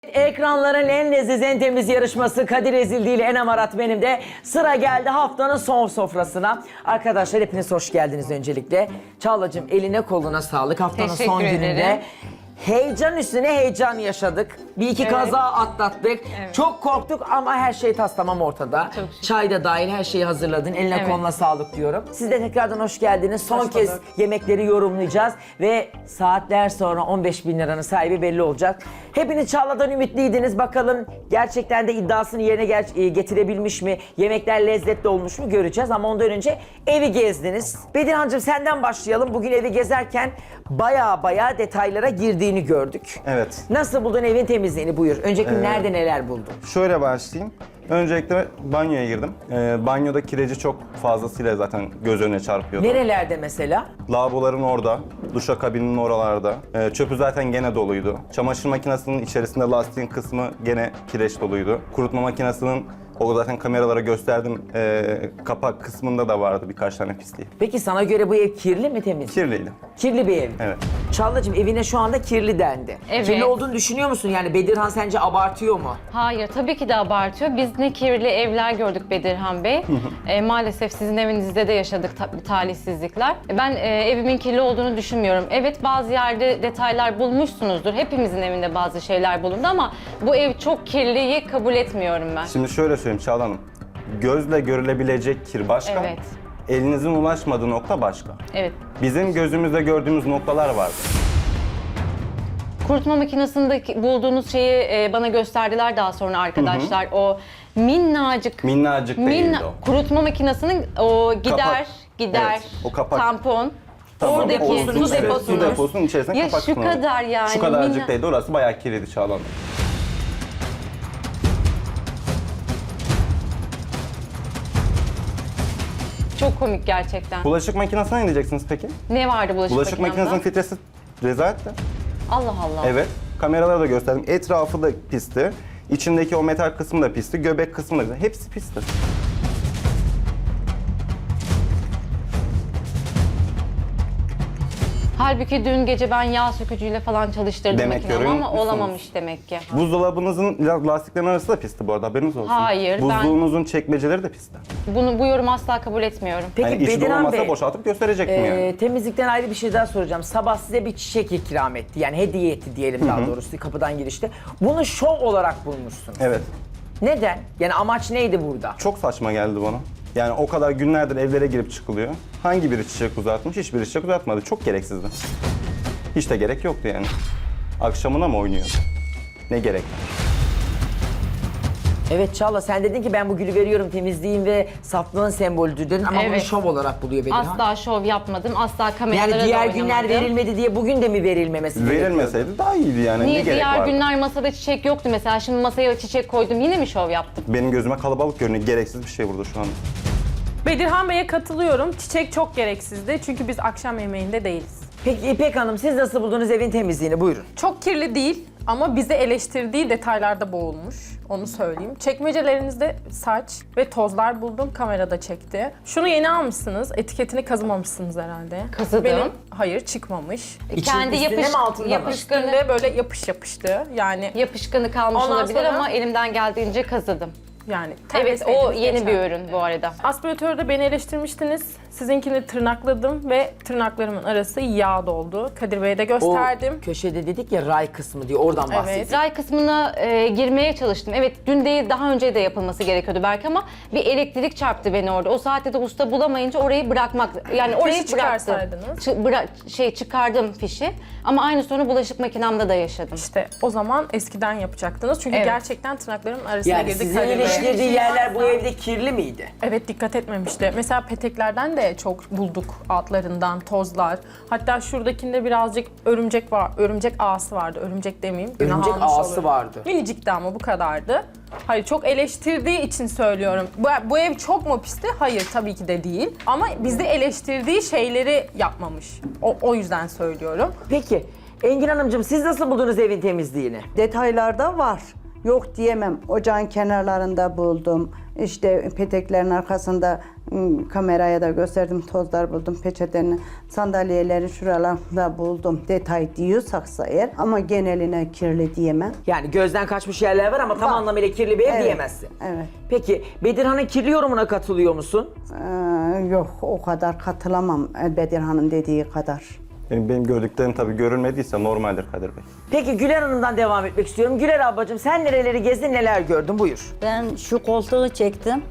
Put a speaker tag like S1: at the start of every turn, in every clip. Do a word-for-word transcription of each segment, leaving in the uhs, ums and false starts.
S1: Ekranların en leziz, en temiz yarışması Kadir Ezildi ile Enem Arat benim de sıra geldi haftanın son sofrasına. Arkadaşlar hepiniz hoş geldiniz öncelikle. Çağlacığım eline koluna sağlık haftanın
S2: Teşekkür
S1: son
S2: ederim.
S1: gününde. Heyecan üstüne heyecan yaşadık. Bir iki
S2: Evet.
S1: kaza atlattık.
S2: Evet.
S1: Çok korktuk ama her şey tas tamam ortada.
S2: Çok şükür.
S1: Çay da dahil her şeyi hazırladın. Eline
S2: Evet.
S1: koluna sağlık diyorum. Siz de tekrardan hoş geldiniz. Son
S3: Hoş
S1: kez
S3: bulduk.
S1: yemekleri yorumlayacağız ve saatler sonra on beş bin liranın sahibi belli olacak. Hepiniz Çağla'dan ümitliydiniz. Bakalım gerçekten de iddiasını yerine ger- e, getirebilmiş mi? Yemekler lezzetli olmuş mu göreceğiz ama ondan önce evi gezdiniz. Bedirhan'cığım senden başlayalım. Bugün evi gezerken baya baya detaylara girdiğini gördük.
S3: Evet.
S1: Nasıl buldun evin temizliğini buyur. Önceki gün nerede neler buldun?
S3: Şöyle başlayayım. Öncelikle banyoya girdim. Ee, banyoda kireci çok fazlasıyla zaten göz önüne çarpıyordu.
S1: Nerelerde mesela?
S3: Lavaboların orada, duşakabinin oralarda. Ee, çöpü zaten gene doluydu. Çamaşır makinesinin içerisinde lastiğin kısmı gene kireç doluydu. Kurutma makinesinin o zaten kameralara gösterdim. Ee, kapak kısmında da vardı birkaç tane pisliği.
S1: Peki sana göre bu ev kirli mi temiz?
S3: Kirliydi.
S1: Kirli bir ev.
S3: Evet.
S1: Çağlacığım evine şu anda kirli dendi.
S2: Evet.
S1: Kirli olduğunu düşünüyor musun? Yani Bedirhan sence abartıyor mu?
S2: Hayır, tabii ki de abartıyor. Biz ne kirli evler gördük Bedirhan Bey. E, maalesef sizin evinizde de yaşadık ta- talihsizlikler. Ben e, evimin kirli olduğunu düşünmüyorum. Evet, bazı yerde detaylar bulmuşsunuzdur. Hepimizin evinde bazı şeyler bulundu ama bu ev çok kirliyi kabul etmiyorum ben.
S3: Şimdi şöyle söyleyeyim Çağla Hanım. Gözle görülebilecek kir başka.
S2: Evet.
S3: Elinizin ulaşmadığı nokta başka.
S2: Evet.
S3: Bizim gözümüzde gördüğümüz noktalar vardı.
S2: Kurutma makinesinde bulduğunuz şeyi e, bana gösterdiler daha sonra arkadaşlar. O minnacık
S3: Minnacık değildi o.
S2: kurutma makinesinin o gider
S3: Kapak.
S2: gider
S3: Evet, o kapak.
S2: tampon.
S3: Tamam,
S2: Oradaki
S3: o
S2: su
S3: uzun- evet,
S2: deposunuz.
S3: Su deposunun içerisine
S2: Ya
S3: kapak
S2: şu
S3: kullanıldı.
S2: kadar yani,
S3: Şu kadarcık
S2: minna-
S3: değildi. Orası bayağı kirliydi Çağla Hanım.
S2: Çok komik gerçekten.
S3: Bulaşık makinesine ne diyeceksiniz peki?
S2: Ne vardı bulaşık,
S3: Bulaşık
S2: makinemde?
S3: makinesinin filtresi rezaletti.
S2: Allah Allah.
S3: Evet. Kameralara da gösterdim. Etrafı da pisti. İçindeki o metal kısmı da pisti. Göbek kısmı da pisti. Hepsi pisti.
S2: Halbuki dün gece ben yağ sökücüyle falan çalıştırdım
S3: Demek
S2: makinemi
S3: görüyor
S2: ama
S3: musunuz?
S2: olamamış demek ki.
S3: Buzdolabınızın la- lastiklerin arası da pisti bu arada, haberiniz olsun.
S2: Hayır, ben-
S3: Buzluğunuzun çekmeceleri de pisti.
S2: Bunu bu yorumu asla kabul etmiyorum.
S1: Peki
S3: Yani içi
S1: Bedirhan
S3: dolmasa
S1: Bey,
S3: boşaltıp gösterecektim
S1: e,
S3: yani.
S1: temizlikten ayrı bir şey daha soracağım. Sabah size bir çiçek ikram etti. Yani hediye etti diyelim daha doğrusu kapıdan girişte. Bunu şov olarak bulmuşsunuz.
S3: Evet.
S1: Neden? Yani amaç neydi burada?
S3: Çok saçma geldi bana. Yani o kadar günlerdir evlere girip çıkılıyor. Hangi biri çiçek uzatmış? Hiçbiri çiçek uzatmadı. Çok gereksizdi. Hiç de gerek yoktu yani. Akşamına mı oynuyor? Ne gerek var?
S1: Evet Çağla sen dedin ki ben bu gülü veriyorum temizliğin ve saflığın sembolüdür dedin ama bunu
S2: Evet.
S1: şov olarak buluyor Bedirhan.
S2: Asla şov yapmadım, asla kameralara
S1: Yani
S2: da
S1: diğer
S2: oynamadım.
S1: günler verilmedi diye bugün de mi verilmemesi gerekiyordu?
S3: Verilmeseydi daha iyiydi yani.
S2: Niye
S3: ne gerek
S2: diğer
S3: vardı?
S2: günler masada çiçek yoktu mesela, şimdi masaya çiçek koydum yine mi şov yaptım?
S3: Benim gözüme kalabalık görünüyor. Gereksiz bir şey burada şu an.
S4: Bedirhan Bey'e katılıyorum. Çiçek çok gereksizdi çünkü biz akşam yemeğinde değiliz.
S1: Peki İpek Hanım siz nasıl buldunuz evin temizliğini buyurun.
S4: Çok kirli değil ama bizi eleştirdiği detaylarda boğulmuş. Onu söyleyeyim. Çekmecelerinizde saç ve tozlar buldum. Kamerada çekti. Şunu yeni almışsınız. Etiketini kazımamışsınız herhalde.
S2: Kazıdım.
S4: Benim, hayır çıkmamış.
S1: İçin-
S2: Kendi
S1: üstünde
S2: yapış,
S1: mi, altında mı?
S2: yapışkanı,
S4: Üstünde böyle yapış yapıştı. Yani
S2: yapışkanı kalmış
S4: Ondan
S2: olabilir
S4: sonra-
S2: ama elimden geldiğince kazıdım.
S4: yani
S2: Evet, o
S4: temizlediniz
S2: yeni
S4: geçen.
S2: bir ürün bu arada.
S4: Aspiratörde beni eleştirmiştiniz. Sizinkini tırnakladım ve tırnaklarımın arası yağ doldu. Kadir Bey'e de
S1: O
S4: gösterdim.
S1: köşede dedik ya ray kısmı diye oradan
S4: Evet.
S1: bahsedin.
S2: Ray kısmına e, girmeye çalıştım. Evet, dün değil daha önce de yapılması gerekiyordu belki ama bir elektrik çarptı beni orada. O saatte de usta bulamayınca orayı bırakmak, yani orayı
S4: Fişi
S2: bıraktım.
S4: çıkarsaydınız.
S2: Çı- bıra- şey çıkardım fişi ama aynı sorunu bulaşık makinemde de yaşadım.
S4: İşte o zaman eskiden yapacaktınız. Çünkü
S2: Evet.
S4: gerçekten tırnaklarımın arasına
S1: Yani
S4: girdi.
S1: sizin
S4: Kadir Bey.
S1: eleştirdiği yerler bu evde kirli miydi?
S4: Evet, dikkat etmemişti. Mesela peteklerden de çok bulduk altlarından tozlar. Hatta şuradakinde birazcık örümcek var. Örümcek ağası vardı. Örümcek demeyeyim. günah
S1: Örümcek
S4: almış
S1: ağası
S4: olurum.
S1: vardı.
S4: Minicikti ama bu kadardı. Hayır, çok eleştirdiği için söylüyorum. Bu, bu ev çok mu pisti? Hayır, tabii ki de değil. Ama bizi eleştirdiği şeyleri yapmamış. O, o yüzden söylüyorum.
S1: Peki Engin Hanımcığım siz nasıl buldunuz evin temizliğini?
S5: Detaylarda var. Yok diyemem. Ocağın kenarlarında buldum. İşte peteklerin arkasında ım, kameraya da gösterdim, tozlar buldum, peçeteni, sandalyeleri şuralarda buldum. Detay diyorsaksa eğer, ama geneline kirli diyemem.
S1: Yani gözden kaçmış yerler var ama tam
S5: Var.
S1: anlamıyla kirli bir ev
S5: Evet,
S1: diyemezsin.
S5: evet.
S1: Peki Bedirhan'ın kirli yorumuna katılıyor musun?
S5: Ee, yok, o kadar katılamam Bedirhan'ın dediği kadar.
S3: Benim, benim gördüklerim tabii görülmediyse normaldir Kadir Bey.
S1: Peki Güler Hanım'dan devam etmek istiyorum. Güler ablacığım sen nereleri gezdin, neler gördün? Buyur.
S6: Ben şu koltuğu çektim.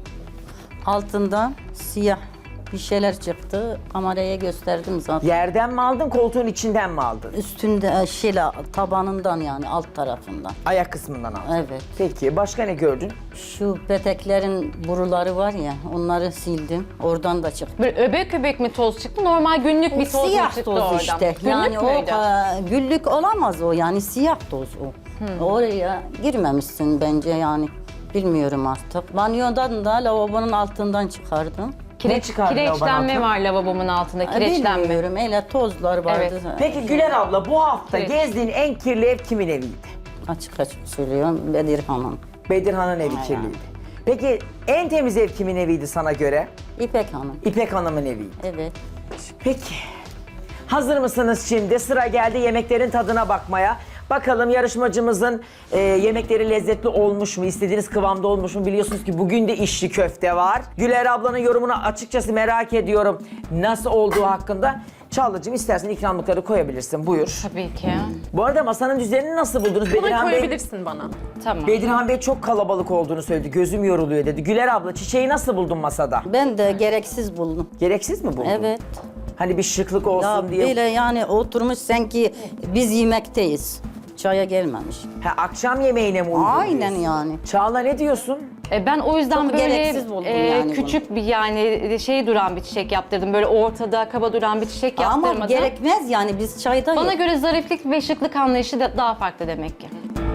S6: Altından siyah bir şeyler çıktı. Kameraya gösterdim zaten.
S1: Yerden mi aldın, koltuğun içinden mi aldın?
S6: Üstünde e, şeyle tabanından, yani alt tarafından.
S1: Ayak kısmından aldın.
S6: Evet.
S1: Peki başka ne gördün?
S6: Şu peteklerin boruları var ya, onları sildim. Oradan da çıktı.
S2: Böyle öbek öbek mi toz çıktı? Normal günlük bir toz mu
S6: Siyah
S2: çıktı
S6: toz
S2: oradan?
S6: işte.
S2: Günlük
S6: Yani o
S2: müydü?
S6: e, güllük olamaz o, yani siyah toz o. Oraya girmemişsin bence yani. Bilmiyorum artık. Banyodan da lavabonun altından çıkardım.
S1: Ne çıkardın lavabonun
S2: Kireçlenme
S1: altına?
S2: var lavabomun altında.
S6: E,
S2: Kireçlenme.
S6: Bilmiyorum, öyle tozlar vardı.
S2: Evet.
S1: Peki Güler abla bu hafta
S2: Evet.
S1: gezdiğin en kirli ev kimin eviydi?
S6: Açık açık söylüyorum, Bedirhan'ın.
S1: Bedirhan'ın evi
S6: Aynen.
S1: kirliydi. Peki en temiz ev kimin eviydi sana göre?
S6: İpek Hanım.
S1: İpek Hanım'ın eviydi.
S6: Evet.
S1: Peki. Hazır mısınız şimdi? Sıra geldi yemeklerin tadına bakmaya. Bakalım yarışmacımızın e, yemekleri lezzetli olmuş mu? İstediğiniz kıvamda olmuş mu? Biliyorsunuz ki bugün de içli köfte var. Güler ablanın yorumunu açıkçası merak ediyorum. Nasıl olduğu hakkında. Çağla'cığım istersen ikramlıkları koyabilirsin. Buyur.
S2: Tabii ki.
S1: Bu arada masanın düzenini nasıl buldunuz?
S4: Bunu
S1: Bedirhan Bey,
S4: koyabilirsin bana.
S2: Tamam.
S1: Bedirhan Bey çok kalabalık olduğunu söyledi. Gözüm yoruluyor dedi. Güler abla çiçeği nasıl buldun masada?
S6: Ben de gereksiz buldum.
S1: Gereksiz mi buldun?
S6: Evet.
S1: Hani bir şıklık olsun
S6: Ya
S1: diye.
S6: böyle yani oturmuş sanki biz yemekteyiz. Çaya gelmemiş.
S1: Ha, akşam yemeğine mi uygun
S6: Aynen
S1: diyorsun?
S6: yani.
S1: Çağla ne diyorsun?
S2: E, ben o yüzden
S6: Çok
S2: böyle
S6: gereksiz buldum
S2: e,
S6: yani bunu.
S2: küçük bir yani şey duran bir çiçek yaptırdım. Böyle ortada kaba duran bir çiçek yaptırmadım.
S6: Ama gerekmez yani, biz çayda
S2: Bana göre zariflik ve şıklık anlayışı da daha farklı demek ki.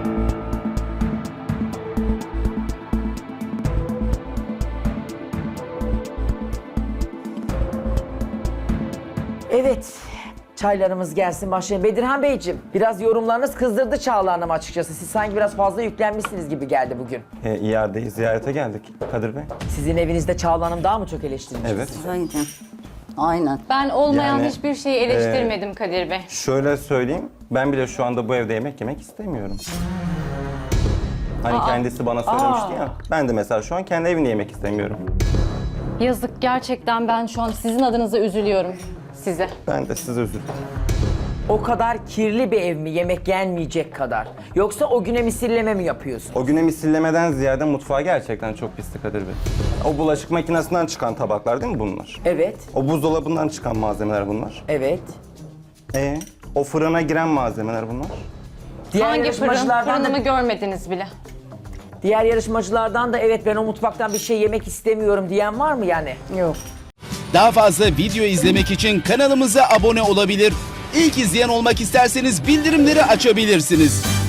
S1: Evet. Çaylarımız gelsin başlayalım. Bedirhan Beyciğim biraz yorumlarınız kızdırdı Çağla Hanım açıkçası. Siz sanki biraz fazla yüklenmişsiniz gibi geldi bugün.
S3: E, iadeyi ziyarete geldik Kadir Bey.
S1: Sizin evinizde Çağla Hanım daha mı çok eleştirilmiş?
S3: Evet.
S6: Aynen. Aynen.
S2: Ben olmayan
S3: Yani,
S2: hiçbir şeyi eleştirmedim Kadir Bey.
S3: Şöyle söyleyeyim, ben bile şu anda bu evde yemek yemek istemiyorum. Hani kendisi bana söylemişti ya, ben de mesela şu an kendi evinde yemek istemiyorum.
S2: Yazık, gerçekten ben şu an sizin adınıza üzülüyorum size.
S3: Ben de size özür dilerim.
S1: O kadar kirli bir ev mi yemek yenmeyecek kadar? Yoksa o güne misilleme mi yapıyorsun?
S3: O güne misillemeden ziyade mutfağı gerçekten çok pisti Kadir Bey. O bulaşık makinesinden çıkan tabaklar değil mi bunlar?
S1: Evet,
S3: O buzdolabından çıkan malzemeler bunlar.
S1: evet.
S3: E, o fırına giren malzemeler bunlar.
S1: Diğer
S2: Hangi fırın?
S1: yarışmacılardan
S2: Fırınımı
S1: da,
S2: görmediniz bile.
S1: diğer yarışmacılardan da evet ben o mutfaktan bir şey yemek istemiyorum diyen var mı yani?
S5: Yok.
S7: Daha fazla video izlemek için kanalımıza abone olabilir. İlk izleyen olmak isterseniz bildirimleri açabilirsiniz.